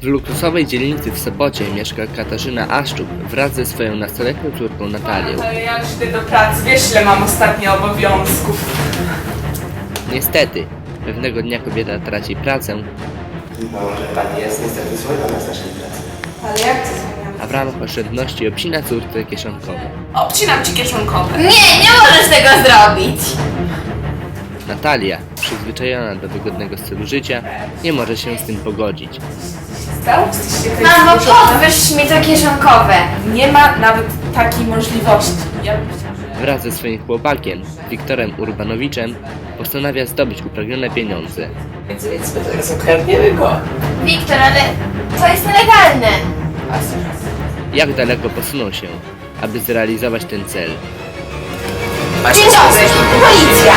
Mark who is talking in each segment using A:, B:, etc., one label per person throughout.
A: luksusowej dzielnicy w Sopocie mieszka Katarzyna Aszczuk wraz ze swoją nastoletnią córką Natalią.
B: Ale ja już idę do pracy, wiesz ile mam ostatnio obowiązków.
A: Niestety, pewnego dnia kobieta traci pracę,
C: Może pani jest niestety zwolniona z naszej pracy.
B: Ale jak to zmieniam?
A: a w ramach oszczędności obcina córce kieszonkowe.
B: Obcinam ci kieszonkowe.
D: Nie możesz tego zrobić!
A: Natalia, przyzwyczajona do wygodnego stylu życia, nie może się z tym pogodzić.
B: Stało? Jesteście
D: Mamo,
B: zmuszone.
D: podwyższ mi to kieszonkowe!
B: Nie ma nawet takiej możliwości. Ja bym chciała, że...
A: Wraz ze swoim chłopakiem, Wiktorem Urbanowiczem, postanawia zdobyć upragnione pieniądze.
C: Więc my teraz ukradniemy go.
D: Wiktor, ale to jest nielegalne!
A: Jak daleko posuną się, aby zrealizować ten cel?
D: Dzień dobry, policja!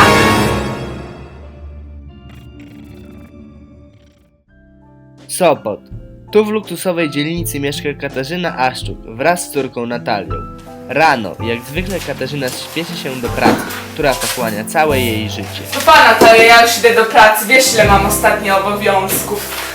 A: Sopot. Tu w luksusowej dzielnicy mieszka Katarzyna Aszczuk wraz z córką Natalią. Rano, jak zwykle Katarzyna śpieszy się do pracy, która pochłania całe jej życie.
B: To pana, to ja już idę do pracy, wiesz ile mam ostatnio obowiązków.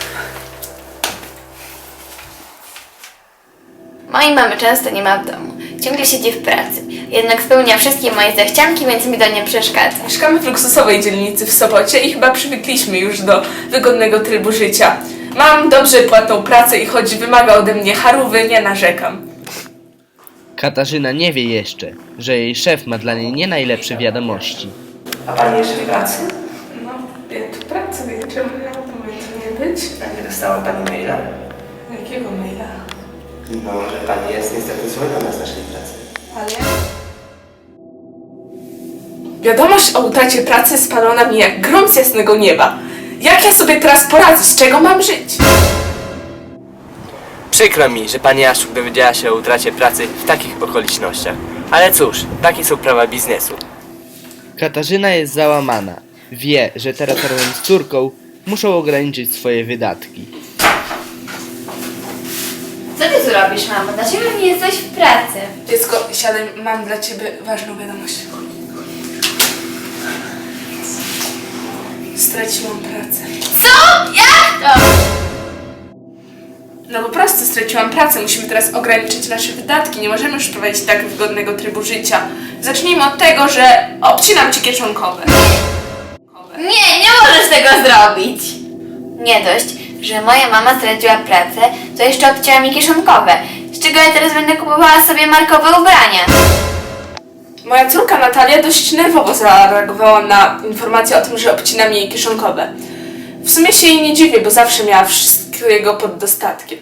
D: Mojej mamy często nie ma w domu. Ciągle siedzi w pracy. Jednak spełnia wszystkie moje zachcianki, więc mi to nie przeszkadza.
B: Mieszkamy w luksusowej dzielnicy w Sopocie i chyba przywykliśmy już do wygodnego trybu życia. Mam dobrze płatną pracę i choć wymaga ode mnie harówy, nie narzekam.
A: Katarzyna nie wie jeszcze, że jej szef ma dla niej nie najlepsze wiadomości.
C: A pani jeszcze w pracy?
B: No, ja tu pracuję, czemu miało to nie być?
C: A nie dostała pani maila?
B: Jakiego maila?
C: Może pani jest niestety zwolniona z naszej pracy.
B: Ale... Wiadomość o utracie pracy spadła na mnie jak grom z jasnego nieba. Jak ja sobie teraz poradzę? Z czego mam żyć?
E: Przykro mi, że pani Aszczuk dowiedziała się o utracie pracy w takich okolicznościach. Ale cóż, takie są prawa biznesu.
A: Katarzyna jest załamana. Wie, że teraz razem z córką muszą ograniczyć swoje wydatki.
D: Co ty tu robisz, mamo? Dlaczego nie jesteś w pracy?
B: Dziecko, siadaj, mam dla ciebie ważną wiadomość. Straciłam pracę.
D: Co? Jak to?
B: No po prostu straciłam pracę, musimy teraz ograniczyć nasze wydatki, nie możemy już prowadzić tak wygodnego trybu życia. Zacznijmy od tego, że obcinam ci kieszonkowe.
D: Nie możesz tego zrobić! Nie dość, że moja mama straciła pracę, to jeszcze obcięła mi kieszonkowe. Z czego ja teraz będę kupowała sobie markowe ubrania?
B: Moja córka Natalia dość nerwowo zareagowała na informację o tym, że obcinam jej kieszonkowe. W sumie się jej nie dziwię, bo zawsze miała wszystkiego pod dostatkiem.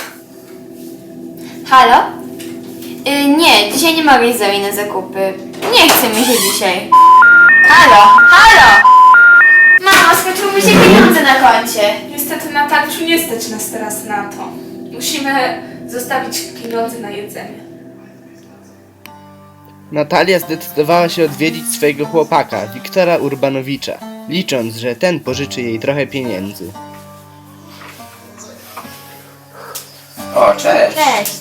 D: Halo? Nie, dzisiaj nie mogę iść z nami na zakupy. Nie chce mi się dzisiaj. Halo? Mamo, skończyły mi się pieniądze na koncie.
B: Niestety, Natalciu, nie stać nas teraz na to. Musimy zostawić pieniądze na jedzenie.
A: Natalia zdecydowała się odwiedzić swojego chłopaka, Wiktora Urbanowicza, licząc, że ten pożyczy jej trochę pieniędzy.
C: O, cześć.
D: Cześć.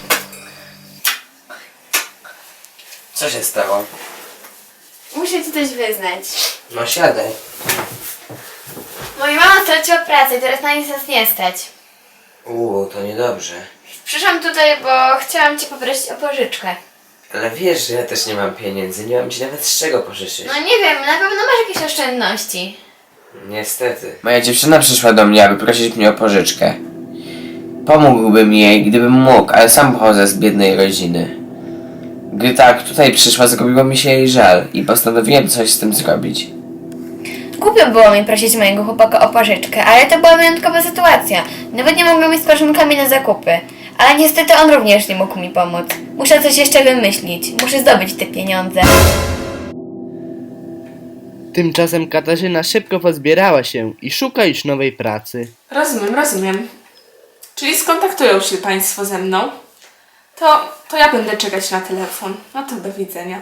C: Co się stało?
D: Muszę ci coś wyznać.
C: No siadaj.
D: Moja mama straciła pracę i teraz na nic nas nie stać.
C: To niedobrze.
D: Przyszłam tutaj, bo chciałam cię poprosić o pożyczkę.
C: Ale wiesz, że ja też nie mam pieniędzy, nie mam ci nawet z czego pożyczyć.
D: No nie wiem, na pewno masz jakieś oszczędności.
C: Niestety. Moja dziewczyna przyszła do mnie, aby prosić mnie o pożyczkę. Pomógłbym jej, gdybym mógł, ale sam pochodzę z biednej rodziny. Gdy tak tutaj przyszła, zrobiło mi się jej żal i postanowiłem coś z tym zrobić.
D: Głupio było mi prosić mojego chłopaka o pożyczkę, ale to była wyjątkowa sytuacja. Nawet nie mogłem iść z koleżankami na zakupy. Ale niestety on również nie mógł mi pomóc. Muszę coś jeszcze wymyślić. Muszę zdobyć te pieniądze.
A: Tymczasem Katarzyna szybko pozbierała się i szuka już nowej pracy.
B: Rozumiem. Czyli skontaktują się Państwo ze mną? To ja będę czekać na telefon. No to do widzenia.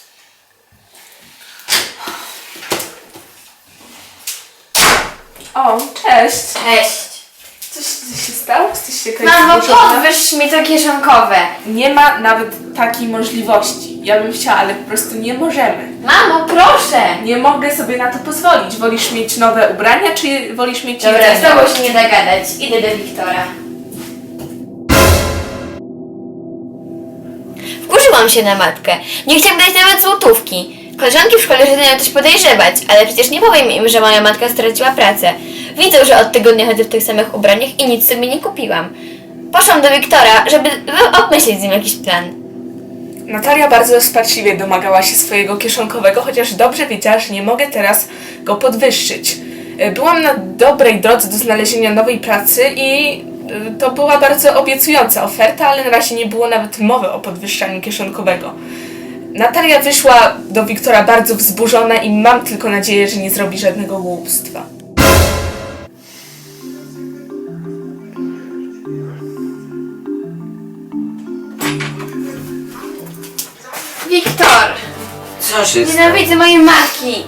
B: O, cześć.
D: Cześć.
B: Coś się stało? Jesteście jakaś
D: Mamo,
B: zburzona?
D: podwyższ mi to kieszonkowe.
B: Nie ma nawet takiej możliwości. Ja bym chciała, ale po prostu nie możemy.
D: Mamo, proszę!
B: Nie mogę sobie na to pozwolić. Wolisz mieć nowe ubrania, czy wolisz mieć
D: Dobra, z
B: jedzenie?
D: tobą się nie da gadać. Idę do Wiktora. Wkurzyłam się na matkę. Nie chcę dać nawet złotówki. Koleżanki w szkole zaczynają coś podejrzewać, ale przecież nie powiem im, że moja matka straciła pracę. Widzą, że od tygodnia chodzę w tych samych ubraniach i nic sobie nie kupiłam. Poszłam do Wiktora, żeby obmyślić z nim jakiś plan.
B: Natalia bardzo rozpaczliwie domagała się swojego kieszonkowego, chociaż dobrze wiedziała, że nie mogę teraz go podwyższyć. Byłam na dobrej drodze do znalezienia nowej pracy i to była bardzo obiecująca oferta, ale na razie nie było nawet mowy o podwyższaniu kieszonkowego. Natalia wyszła do Wiktora bardzo wzburzona i mam tylko nadzieję, że nie zrobi żadnego głupstwa.
D: Wiktor!
C: Co się stało?
D: Nienawidzę mojej matki!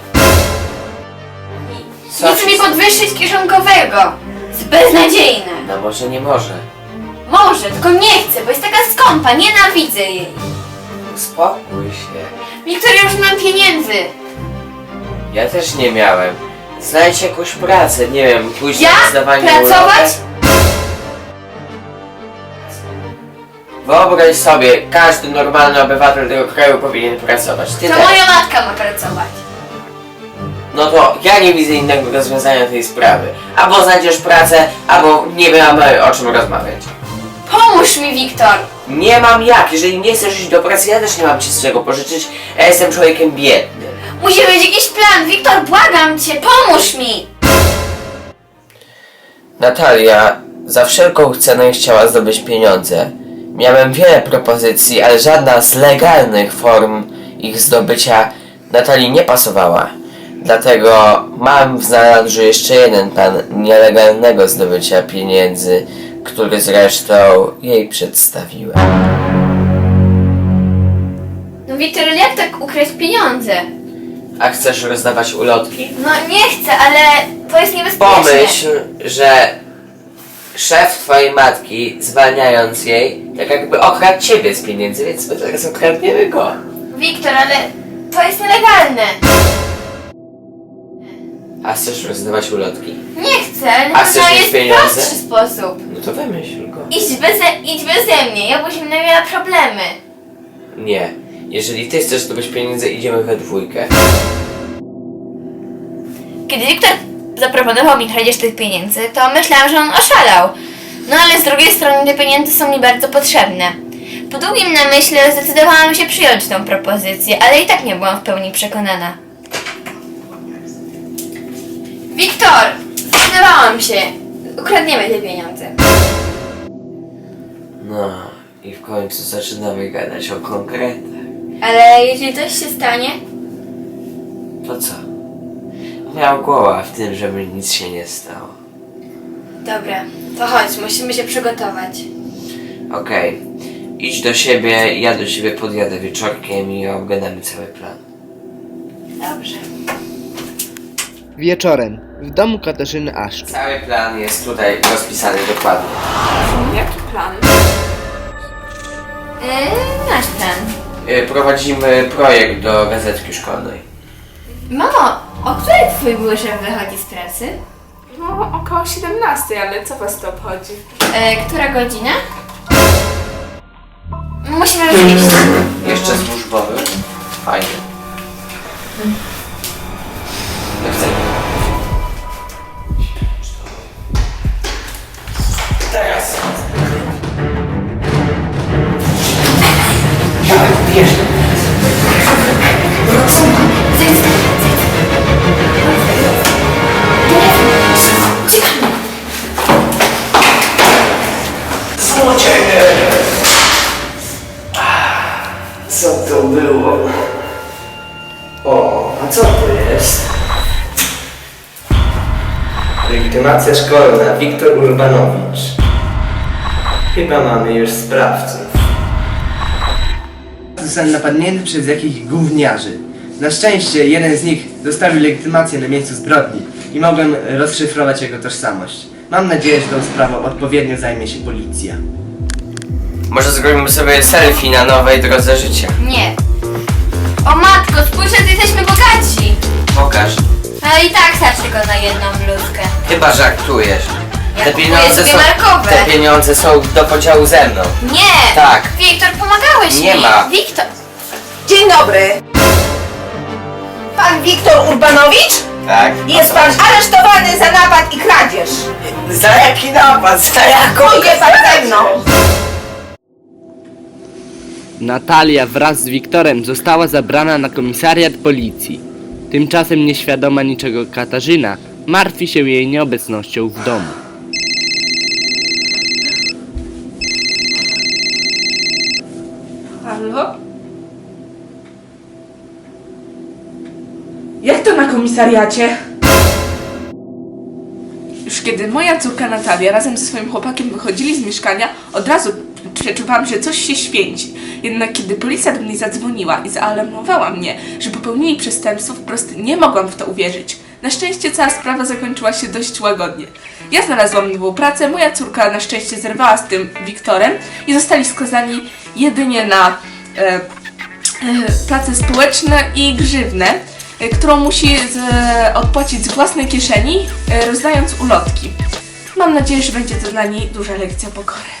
C: Co
D: Nie chce
C: się
D: mi
C: stało?
D: podwyższyć kieszonkowego! Jest beznadziejne!
C: No może nie może.
D: Może, tylko nie chcę, bo jest taka skąpa, nienawidzę jej!
C: Uspokój się.
D: Wiktor, ja już nie mam pieniędzy!
C: Ja też nie miałem. Znajdź jakąś pracę, nie wiem, pójść
D: Ja?
C: na zdawanie
D: Pracować?
C: ulotek. Wyobraź sobie, każdy normalny obywatel tego kraju powinien pracować. Ty
D: To
C: też.
D: moja matka ma pracować.
C: No to ja nie widzę innego rozwiązania tej sprawy. Albo znajdziesz pracę, albo nie mamy o czym rozmawiać.
D: Pomóż mi, Wiktor!
C: Nie mam jak, jeżeli nie chcesz iść do pracy, ja też nie mam ci z czego pożyczyć. Ja jestem człowiekiem biednym.
D: Musi być jakiś plan! Wiktor, błagam cię, pomóż mi!
C: Natalia za wszelką cenę chciała zdobyć pieniądze. Miałem wiele propozycji, ale żadna z legalnych form ich zdobycia Natalii nie pasowała. Dlatego mam w zanadrzu jeszcze jeden plan nielegalnego zdobycia pieniędzy, który zresztą jej przedstawiłem.
D: No Wiktor, ale jak tak ukraść pieniądze?
C: A chcesz rozdawać ulotki?
D: No nie chcę, ale to jest niebezpieczne.
C: Pomyśl, że szef twojej matki, zwalniając jej, tak jakby okradł ciebie z pieniędzy, więc my teraz okradniemy go.
D: Wiktor, ale to jest nielegalne.
C: A chcesz rozdawać ulotki?
D: Nie chcę, ale
C: A
D: na
C: chcesz
D: pewno
C: mieć
D: jest
C: pieniądze?
D: prostszy sposób.
C: No to wymyśl go.
D: Idź beze mnie, ja byśmy miała problemy.
C: Nie. Jeżeli ty chcesz zdobyć pieniądze, idziemy we dwójkę.
D: Kiedy Wiktor zaproponował mi kradzież tych pieniędzy, to myślałam, że on oszalał. No ale z drugiej strony te pieniądze są mi bardzo potrzebne. Po długim namyśle zdecydowałam się przyjąć tą propozycję, ale i tak nie byłam w pełni przekonana. Wiktor! Zdecydowałam się! Ukradniemy te pieniądze.
C: No i w końcu zaczynamy gadać o konkretach.
D: Ale jeśli coś się stanie,
C: To co? Miał głowa w tym, żeby nic się nie stało.
D: dobra, to chodź, musimy się przygotować.
C: Okej. Idź do siebie, ja do ciebie podjadę wieczorkiem i obgadamy cały plan.
D: Dobrze.
A: Wieczorem, w domu Katarzyny Aszczuk.
C: Cały plan jest tutaj rozpisany dokładnie.
B: Jaki plan?
D: Nasz plan.
C: Prowadzimy projekt do gazetki szkolnej.
D: Mamo, o której twój były szef wychodzi z pracy?
B: No, około 17, ale co was to obchodzi?
D: Która godzina? Musimy już iść.
C: Jeszcze służbowy. Fajnie. Ja chcę. Teraz. Bierz. Złodzieje! Co to było? O, a co to jest? Legitymacja szkolna, Wiktor Urbanowicz. Chyba mamy już sprawców.
F: Zostałem napadnięty przez jakichś gówniarzy. Na szczęście jeden z nich zostawił legitymację na miejscu zbrodni i mogłem rozszyfrować jego tożsamość. Mam nadzieję, że tą sprawą odpowiednio zajmie się policja.
C: Może zrobimy sobie selfie na nowej drodze życia.
D: Nie. O matko, spójrz, że ty jesteś i tak starczy tylko na jedną bluzkę.
C: Chyba żartujesz.
D: Ja
C: Te
D: kupuję
C: pieniądze
D: dwie
C: są,
D: markowe.
C: te pieniądze są do podziału ze mną.
D: Nie!
C: Tak.
D: Wiktor, pomagałeś
C: Nie
D: mi.
C: ma.
D: Wiktor!
G: Dzień dobry. Pan Wiktor Urbanowicz?
C: Tak?
G: Jest pan aresztowany za napad i kradzież.
C: Za jaki napad? Za jaką?
G: Pójdzie pan ze mną.
A: Natalia wraz z Wiktorem została zabrana na komisariat policji. Tymczasem nieświadoma niczego Katarzyna martwi się jej nieobecnością w domu.
B: Halo? Jak to na komisariacie? Już kiedy moja córka Natalia razem ze swoim chłopakiem wychodzili z mieszkania, od razu przeczuwałam, że coś się święci. Jednak kiedy policja do mnie zadzwoniła i zaalarmowała mnie, że popełnili przestępstwo, wprost nie mogłam w to uwierzyć. Na szczęście cała sprawa zakończyła się dość łagodnie. Ja znalazłam nową pracę, moja córka na szczęście zerwała z tym Wiktorem i zostali skazani jedynie na prace społeczne i grzywnę, którą musi odpłacić z własnej kieszeni, rozdając ulotki. Mam nadzieję, że będzie to dla niej duża lekcja pokory.